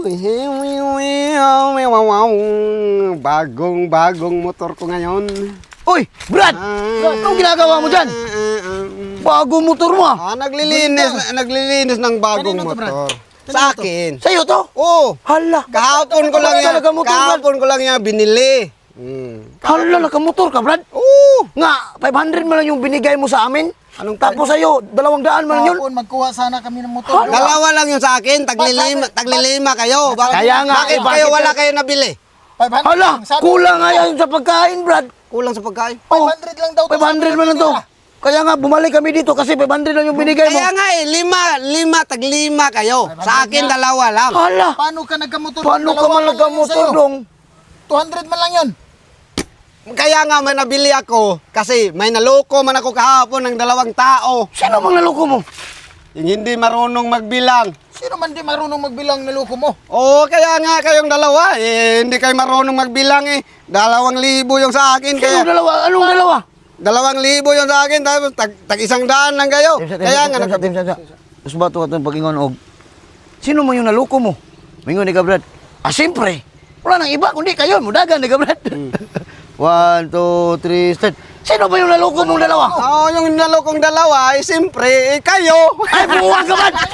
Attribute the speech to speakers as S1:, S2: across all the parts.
S1: Bagong motor ko ngayon.
S2: Uy, Brad! Anong ginagawa mo dyan? Bagong motor mo ah.
S1: Naglilinis ng bagong
S3: Kanino to, Brad?
S1: motor. Sa akin.
S2: Sa'yo to?
S1: Oo.
S2: Hala.
S1: Kahapon ko lang yan binili.
S2: Hala, nakamotor ka, Brad?
S1: Oo.
S2: Nga, 500 mo lang yung binigay mo sa amin. Tapos sa'yo, 200 mo lang yun.
S3: Kahapon, magkuha sana kami ng motor.
S1: Dalawa lang yung sa akin, taglilima kayo.
S2: Kaya nga,
S1: bakit kayo wala kayo nabili?
S3: 500
S2: Hala,
S3: lang. Sabi
S2: kulang
S3: ko,
S2: nga yan sa pagkain, Brad.
S1: Kulang sa pagkain.
S3: 500 lang daw.
S2: 500 mo lang to. Kaya nga, bumalik kami dito kasi 500 lang yung binigay mo.
S1: Kaya nga taglima kayo. Sa akin, dalawa lang.
S2: Hala,
S3: Paano ka nagkamotor?
S2: paano ka
S3: Dalawa
S2: man
S3: lang yun
S2: nagkamotor
S3: sa'yo.
S2: dong?
S3: 200 man lang yun.
S1: Kaya nga may nabili ako kasi may naloko man ako kahapon ng dalawang tao.
S2: Sino mang naloko mo?
S1: Yung hindi marunong magbilang.
S3: Sino man di marunong magbilang niloko mo?
S1: Oo, kaya nga kayong dalawa. Hindi kayo marunong magbilang eh. 2,000 yung sa akin.
S2: Sino
S1: Kaya
S2: dalawa? Anong dalawa?
S1: 2,000 yung sa akin. Tapos tag 100 lang kayo. Kaya nga
S2: Tapos bato ka itong pag-ingon og. Sino mo yung naloko mo? Mingon ni ka, Brad. Ah, siyempre. Wala nang iba, kundi kayo. Mudagan ni ka, Brad. 1, 2, 3, start. Sino ba yung naloko mong dalawa?
S1: Oo, yung nalokong dalawa, siyempre, kayo.
S2: Ay, buwag ka, Brad!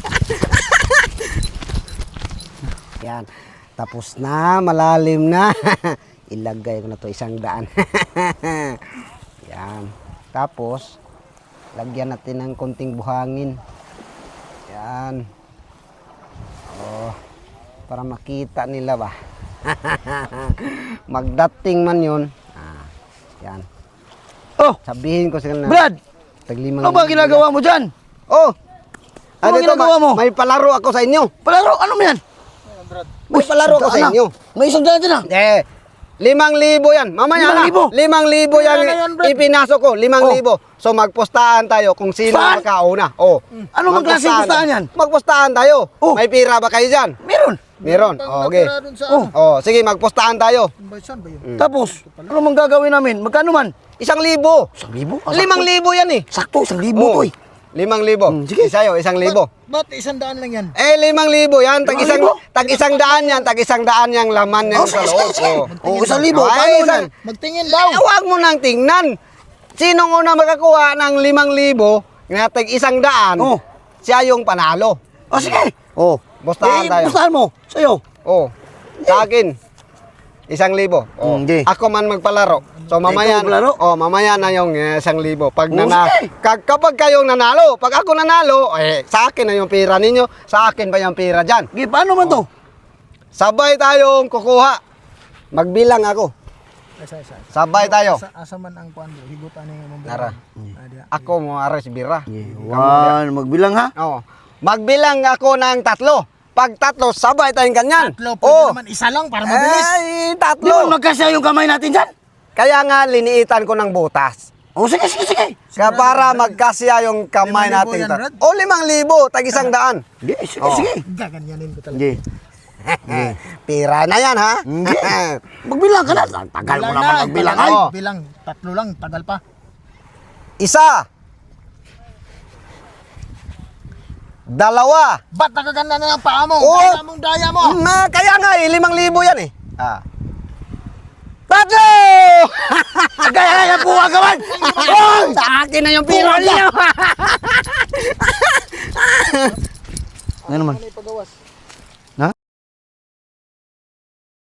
S1: Yan. Tapos na, malalim na. Ilagay ko na to 100. Yan. Tapos, lagyan natin ng konting buhangin. Yan. Oh, para makita nila ba. Magdating man yun. Yan.
S2: Oh,
S1: Sabihin ko sa kanila.
S2: Brad!
S1: Taglimang
S2: Ano ba ginagawa mo dyan?
S1: Oh!
S2: Ano
S1: dito,
S2: ginagawa mo?
S1: May palaro ako sa inyo.
S2: Palaro, ano mo yan?
S1: May palaro ako sa inyo.
S2: May isang daan dyan ah.
S1: 5,000 yan. Mamaya
S2: 5,000?
S1: na. 5,000 yan.
S3: na yan, Brad.
S1: Ipinasok ko. 5,000. So magpustahan tayo kung sino
S2: Saan?
S1: makauna. Oh.
S2: Ano bang klaseng pustahan yan?
S1: Magpustahan tayo.
S2: Oh.
S1: May pira ba kayo dyan?
S2: Meron.
S1: Meron.
S3: Pang
S1: Okay.
S3: natira dun sa
S2: Oh.
S3: ano.
S1: Oh, sige, magpustahan tayo.
S3: Saan ba yun?
S2: Tapos, ano mang gagawin namin? Magkano man?
S1: 1,000.
S2: 1,000?
S1: 5,000 yan eh.
S2: Sakto, 1,000
S1: Oh.
S2: to eh.
S1: 5,000.
S2: Sige.
S1: Isayo, 1,000.
S3: Ba't 100 lang yan?
S1: 5,000 yan. Tag
S2: 5,000?
S1: isang daan yan. Tag 100 yung laman yan
S2: Oh,
S1: sa
S2: sige,
S1: loob.
S2: sige.
S1: Oh.
S2: Oh, 1,000.
S1: Ay,
S2: Paano
S1: isang-
S2: yan?
S3: Magtingin daw.
S1: Huwag mo nang tingnan. Sinong una makakuha ng 5,000 na tag 100,
S2: Oh.
S1: siya yung panalo.
S2: Oh, sige. Oh.
S1: Bustahan tayo.
S2: Bustahan mo. Sa'yo.
S1: Oh. Sa akin, 1,000. Oh.
S2: Hindi.
S1: Ako man magpalaro. So mamaya,
S2: Ikaw magpalaro?
S1: oh, mamaya na yung 1,000. Pag
S2: Oh, sige.
S1: kapag kayong nanalo, pag ako nanalo, sa akin na yung pira ninyo, sa akin ba yung pira dyan?
S2: Okay, paano man to?
S1: Sabay tayong kukuha. Magbilang ako.
S3: Isa.
S1: Sabay tayo.
S3: Asa man ang kuan do? Higutan ni mong
S1: Nara.
S3: Diya.
S1: Ako mo ares bira.
S2: One, magbilang ha?
S1: Oh. Magbilang ako ng 3. Pag 3, sabay tayong ganyan.
S3: Tatlo, pwede naman isa lang para mabilis.
S1: Ay,
S2: Di ba
S1: 3.
S2: magkasya yung kamay natin dyan?
S1: Kaya nga liniitan ko ng butas.
S2: Oh, sige.
S1: Kaya para magkasya yung kamay
S3: 5,000
S1: natin.
S3: yan, Brad?
S1: O 5,000, tag 100.
S2: Sige,
S1: Oh.
S2: sige.
S3: Gaganyanin ko talaga.
S2: Sige.
S1: Pira na yan, ha?
S2: Hindi. Magbilang ka na. Tagal mo naman magbilang ay.
S1: Oh.
S3: Bilang, 3 lang, tagal pa.
S1: 1. 2.
S3: Ba't nakaganda na ang paa mo?
S1: Oh.
S3: Daya mo.
S1: Kaya nga 5,000 yan eh. 3!
S2: Kaya buha ka man.
S1: Oh, sa akin na yung pira niya.
S2: Ano naman?
S3: Ano yung pagawas?